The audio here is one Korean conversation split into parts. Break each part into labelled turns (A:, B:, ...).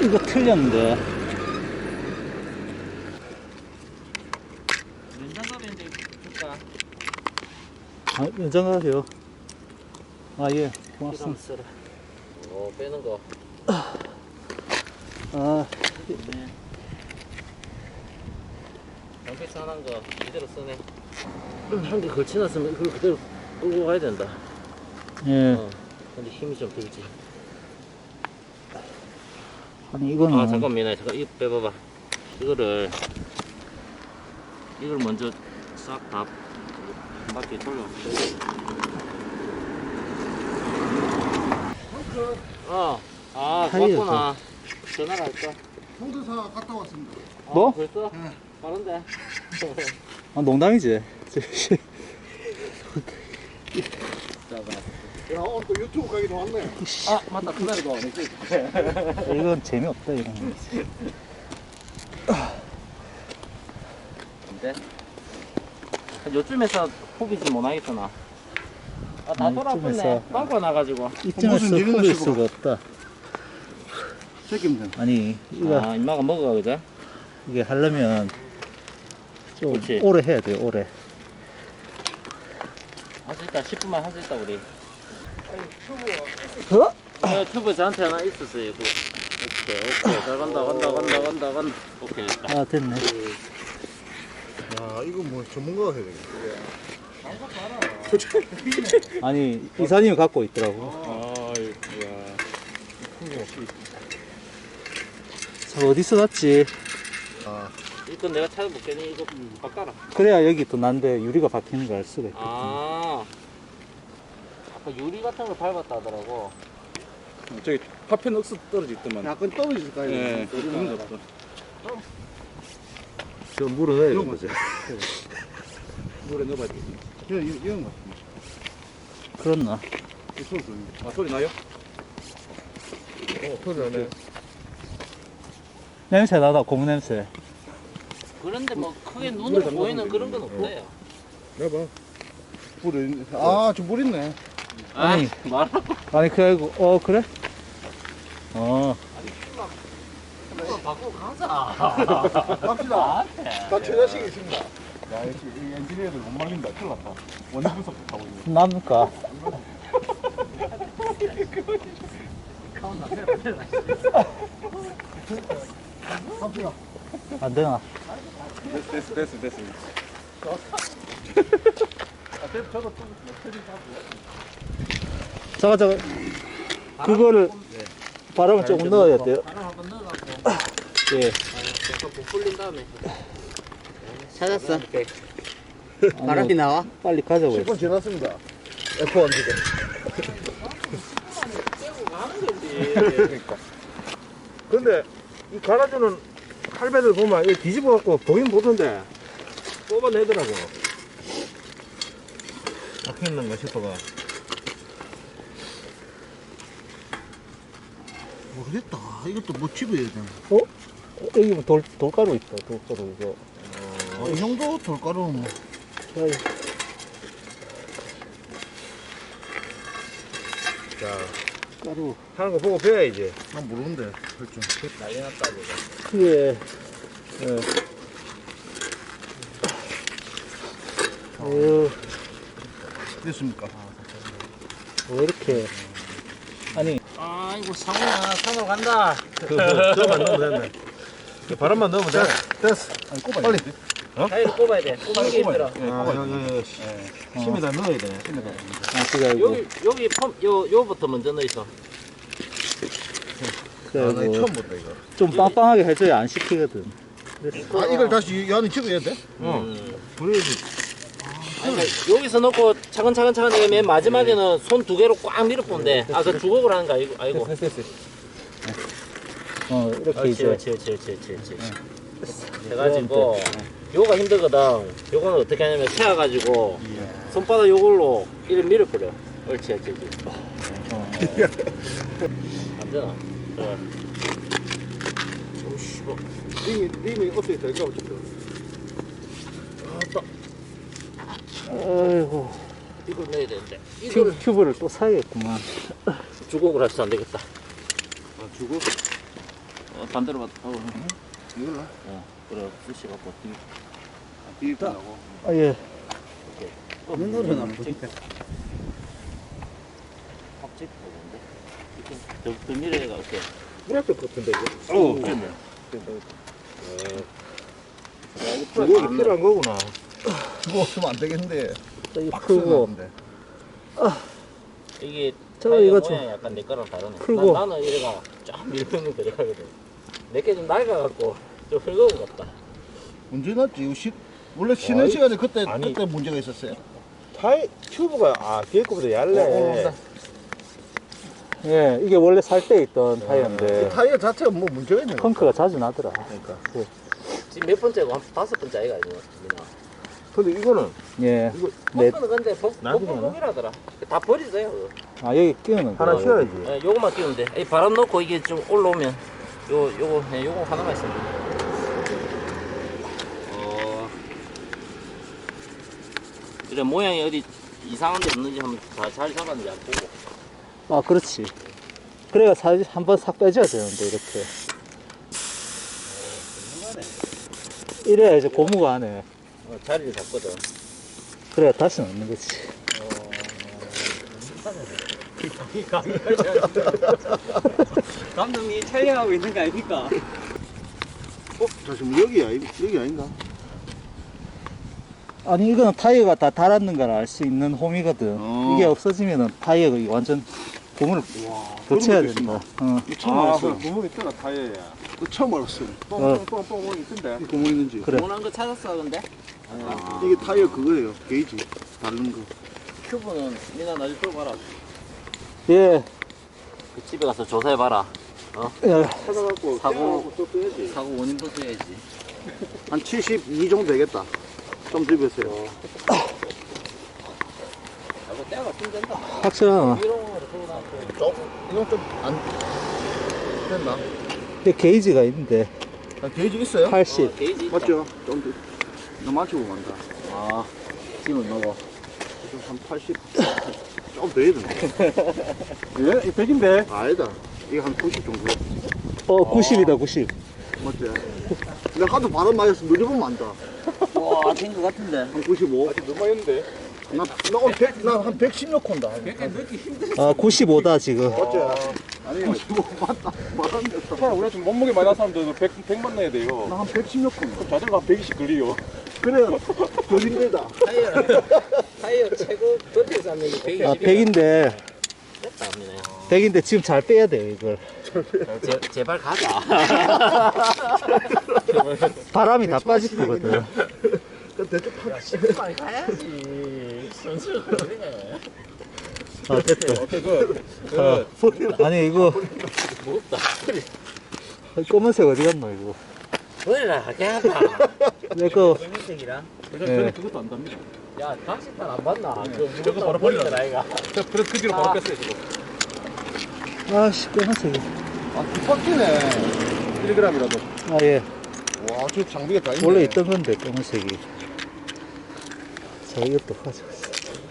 A: 이거 틀렸는데.
B: 연장갑인데 줄까?
A: 아, 연장하세요. 아, 예. 고맙습니다.
B: 쓰라. 빼는 거.
A: 아,
B: 네. 양패스 하나인 거 이대로 쓰네. 한 개 걸쳐놨으면 그걸 그대로 끌고 가야 된다.
A: 예.
B: 근데 힘이 좀 들지.
A: 아니, 이거는.
B: 아 잠깐 미나야 잠깐 이거 빼봐봐. 이걸 먼저 싹 다 한 바퀴 돌려. 아
A: 타이어죠.
B: 맞구나. 전화가 할까?
C: 홍대사 갔다 왔습니다.
A: 뭐?
B: 벌써?
C: 네.
B: 빠른데?
A: 아, 농담이지.
C: 야, 오늘 또 유튜브 가기도 왔네.
B: 아 맞다 그날도 안 했지.
A: 이건 재미없다, 이건.
B: 근데 요쯤에서 포기지 못하겠구나. 다 돌아붙네.
A: 이쯤에서.
B: 빵꾸 나가지고.
A: 이쯤에서
C: 무슨 일이나
A: 풀릴
C: 싶어.
A: 수가 없다.
C: 책임져.
A: 아니, 이거,
B: 아 임마가 먹어가 그죠?
A: 이게 하려면 좀
B: 그렇지.
A: 오래 해야 돼요, 오래.
B: 할 수 있다. 10분만 할 수 있다 우리.
A: 어?
B: 튜브 저한테 하나 있었어요. 오케이. 잘 간다. 오케이. 됐다.
A: 아, 됐네.
C: 야, 이거 뭐 전문가가 해야 되겠다.
A: 아니, 이사님이 갖고 있더라고.
B: 아이고야.
A: 저 어디서 샀지?
C: 아,
B: 이건 내가 찾아볼게니 이거 바꿔라.
A: 그래야 여기 또 난데 유리가 박히는 걸 알 수가 있거든.
B: 아. 아까 유리 같은 걸 밟았다 하더라고.
D: 저기 파편 억수 떨어지더만.
C: 약간 떨어질까, 이거?
D: 예,
C: 소리가.
D: 그런 거 없어.
A: 저 물을 넣어야 되는 거죠.
D: 물에 넣어봐야 돼.
C: 이런 거.
A: 그렇나?
C: 이 소리.
D: 아, 소리 나요?
C: 소리 나네.
A: 냄새 나다, 고무 냄새.
B: 그런데 뭐 크게 눈으로 보이는 그런 건 없어요.
C: 내봐. 물이, 아, 저 물 있네.
A: 아니.
B: 말하고
A: 아니, 그래가지고, 그래?
B: 바꾸고 가자.
C: 갑시다.
B: 나한테.
C: 나 최자식이 있습니다.
D: 야, 역시 이 엔지니어들 못 말린다. 큰일 났다. 원인 분석 하고 있네.
A: 납니까?
C: 갑시다.
A: 안 되나?
D: 됐어.
A: 잠깐. 그거를 바람을 조금 넣어야 돼요.
B: 바람 한번 넣어갖고
A: 예.
B: 약간 부풀린 다음에. 찾았어.
A: 바람이 나와? 빨리 가자고
C: 10분
A: 했어.
C: 지났습니다. F1 지금.
B: 떼고 가는 거지.
D: 그러니까. 근데 이 갈아주는 할배들 보면 이 뒤집어 갖고 보긴 보던데 뽑아내더라고. 박혀있는가 싶어가.
C: 모르겠다. 이것도 뭐 집어야 되나?
A: 여기 뭐 돌가루 있다, 돌가루 이거.
C: 이 정도 돌가루는 뭐.
A: 야,
D: 자,
A: 가루.
D: 하는 거 보고 배워야지.
C: 난 모르는데, 할 줄.
B: 난리 났다 지금.
A: 예. 예. 어휴,
C: 됐습니까?
A: 왜 이렇게. 아니,
B: 아이고 상훈아 산으로 간다.
D: 저만 넣으면 됐네. 바람만 넣으면 돼.
C: 됐어. 아니, 꼽아야 빨리.
B: 타이를 꼽아야 돼. 꼽는 게 힘들어.
D: 심에다 넣어야 돼.
A: 아, 그래가지고.
B: 여기 요부터 먼저 넣어있어.
C: 아, 나
A: 그래가지고.
C: 처음 본다, 이거.
A: 좀 빵빵하게 해줘야 안 식히거든.
C: 아, 이걸 다시 이 안에 집어야 돼?
D: 그래야지.
B: 아니, 그러니까 여기서 넣고 차근차근 이게 맨 마지막에는 손 두 개로 꽉 밀어본대. 아, 그 주걱을 하는 거 아이고.
D: 됐어.
A: 이렇게 이제.
B: 그렇지. 해가지고 요가 힘들거든. 요거는 어떻게 하냐면 세워가지고 손바닥 요걸로 이렇게 밀어버려. 옳지. 안 되나? 그래. 오씨, 뭐.
C: 님이 어떻게 될까?
A: 아이고.
B: 이걸 넣어야 되는데. 이걸
A: 큐브를 또 사야겠구만.
B: 주걱을 할수 안 되겠다.
C: 주고?
B: 반대로 받.
C: 이걸로?
B: 그래 쓰시 갖고.
C: 뒤에 끝나고.
A: 아, 예.
B: 눈으로는 안 보니까. 확집 보는데. 더 미래가 어때?
D: 그랬을 것 같은데 이거.
B: 오, 그랬네.
D: 이거 필요한 거구나.
C: 이거 없으면 안 되겠는데.
A: 저기
C: 박스가
A: 풀고.
C: 없는데.
B: 이게
A: 저
B: 타이어
A: 이거 좀
B: 모양이 약간 내 거랑 다르네.
A: 풀고.
B: 나는 이래가 쫙 밀리는 데려가거든. 내게 좀 낡아갖고 좀 흙어온 것 같다.
C: 언제 났지? 이거 원래 쉬는
D: 아이,
C: 시간에 그때
D: 아니.
C: 그때 문제가 있었어요.
D: 타이 튜브가 뒤에 거보다 얇네.
A: 예, 이게 원래 살 때 있던 타이어인데
C: 타이어 자체가 뭐 문제가 있는 거.
A: 펑크가 자주 나더라.
C: 그러니까.
B: 지금 몇 번째고 한 5번째 아이가 이거 민아.
D: 근데 이거는
A: 예. 네.
B: 펌프는 근데
D: 나중에
B: 복불복이라더라. 다 버리세요. 그거.
A: 아, 여기 끼우는 거.
D: 하나 쉬어야지.
B: 예, 요거만 끼우면 돼. 이 바람 넣고 이게 좀 올라오면 요거 하나만 있으면 돼. 그래 모양이 어디 이상한 데 없는지 한번 다 잘 잡았는지 안 보고.
A: 아, 그렇지. 그래야 한번 싹 빼줘야 되는데, 이렇게. 이래야 이제 고무가 안 해.
B: 자리를 잡거든.
A: 그래야 다시 넣는 거지.
B: 감독님이 촬영하고 있는 거 아닙니까?
C: 잠시만 여기 아닌가?
A: 아니, 이거는 타이어가 다 달았는 걸 알 수 있는 홈이거든. 이게 없어지면은 타이어가 이거 완전 고무를 교체해야
C: 그런 거
A: 된다. 어.
C: 이거 처음 알았어요.
D: 구멍 있잖아 타이어에.
C: 이거 처음 알았어요.
D: 뻥뻥뻥뻥 있던데.
C: 이 구멍 있는지.
A: 그래.
B: 원하는 거 찾았어 근데?
C: 이게 타이어 그거예요. 게이지. 다른 거.
B: 큐브는 니나 나중에 풀어봐라.
A: 예.
B: 그 집에 가서 조사해봐라.
A: 예.
D: 찾아갖고
B: 사고.
D: 또 써야지.
B: 사고 원인도 써야지.
C: 한 72 정도 되겠다. 좀 들으세요.
B: 사고 때가 좀 된다.
A: 확실하나?
B: 이런 거로 풀고 나서.
C: 이건 좀 안 됐나?
A: 근데 게이지가 있는데,
C: 아, 게이지 있어요?
A: 80.
B: 게이지 있다.
C: 맞죠? 좀 더. 너 맞추고 간다.
B: 아, 짐을 넣어.
C: 지금 한 80. 좀 더 해야 되나?
D: 예? 이 100인데.
C: 아니다. 이게 한 90 정도.
A: 90이다, 90.
C: 맞지? 내가 하도 바람 맞아서 늦어보면 안다.
B: 와, 된 거 같은데.
C: 한 95.
D: 아직 너무 많이
C: 나한 110 넣고 온다.
A: 아, 95다, 지금.
C: 맞지? 아니, 95 맞다. 말안 됐어.
D: 우리가 지금 몸무게 많이 난 사람들 100만 넣어야 돼요.
C: 나한 110 넣고 온다.
D: 그럼 자전거 한 120 걸리요.
C: 그래, 더 힘들다.
B: 타이어 최고 버틸 수 있는 게
A: 아,
B: 120이야.
A: 100인데,
B: 됐다, 언니네.
A: 100인데 지금 잘 빼야 돼, 이걸.
B: 제발 가자.
A: 바람이 다 빠질 거거든.
C: 그 대충 파.
B: 빨리 가야지. 선수가 그래.
A: 아, 됐다. 아니, 이거,
B: 무겁다.
A: 검은색 어디 갔노, 이거.
B: 버리라, 괜찮다.
A: 내 거,
B: 검은색이랑.
A: 예.
D: 그것도 안 답니다.
B: 야, 각식판 안 봤나? 그
D: 저거 바로 버리라.
B: 아이가.
D: 그래서 그 뒤로 바로 뺐어요 지금.
A: 아씨, 검은색이.
C: 아, 뒷바퀴네.
D: 1g이라도.
A: 아, 예.
C: 와, 저 장비가 다 있네.
A: 원래 있던 건데, 검은색이. 자, 이것도 가져갔어.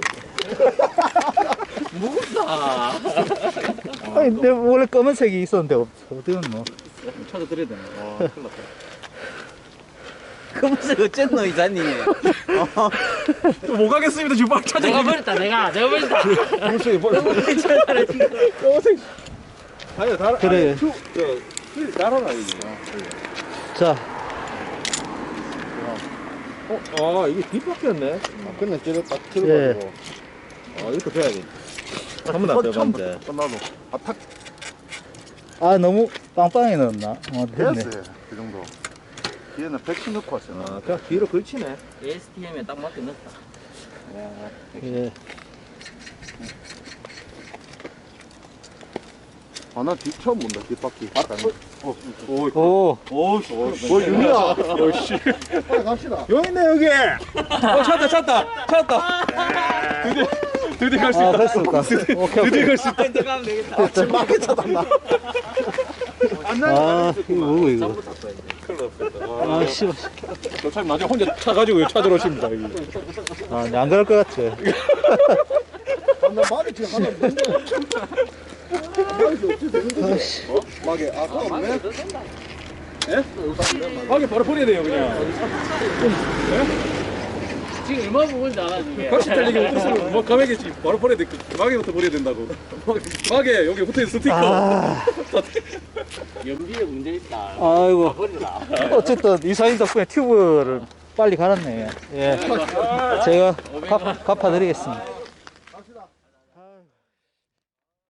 B: 무겁다.
A: 아니, 근데 원래 검은색이 있었는데, 어디 갔노?
D: 찾아드려야 되네. 와, 큰일 났다.
B: 검은색 어쨌노, 이사님?
D: 못 가겠습니다. 지금 막 찾아.
B: 내가 버렸다, 내가 버렸다.
C: 검은색이 버려.
D: 검은색. 아니요, 다.
A: 그래.
D: 휠 달아놔 이게.
A: 자,
D: 아 이게 뒷바퀴였네.
C: 아, 그냥 찌를 딱
A: 예.
C: 틀어가지고.
D: 아 이렇게 돼야지. 한번 안 빼봤는데.
C: 나도. 아, 탁
A: 아, 너무 빵빵히 넣었나? 어, 됐네.
C: 됐어요. 그 정도. 뒤에는 110 넣고 왔어요.
D: 아 그냥 뒤로 걸치네.
B: ASTM에 딱 맞게 넣었다.
A: 예.
C: 아, 나 뒤 처음 본다, 뒷바퀴.
A: 오,
C: 뭐, 윤이야.
D: 어씨.
C: 빨리 갑시다.
D: 여기 있네 여기. 찾았다. 드디어 갈 수
A: 아,
D: 있다.
A: 됐습니까? 오케이, 오케이.
D: 갈 수 있다.
B: 가면 되겠다.
C: 지금 마켓 찾았나?
A: 아, 이거 뭐고, 이거.
B: 전부 다 써야 돼.
A: 아, 씨.
D: 참 나중에 혼자 차 가지고 찾으러 오십니다. 여기.
A: 아, 안 그럴 것 같아.
C: 아, 나 말이 지금 하나 없는데. 막에 아까 없네.
D: 막에 바로 버려야 돼요 그냥.
B: 지금 얼마 부분인지 알아 이게.
D: 같이 달리기 못해서 막 감액이지 바로 버려야 돼. 막에부터 버려야 된다고. 막에 여기 붙어있는 스티커.
A: 아,
B: 연비에 문제 있다.
A: 아이고.
B: 버리라.
A: 어쨌든 이사님 덕분에 튜브를 빨리 갈았네. 예. 제가 갚아드리겠습니다.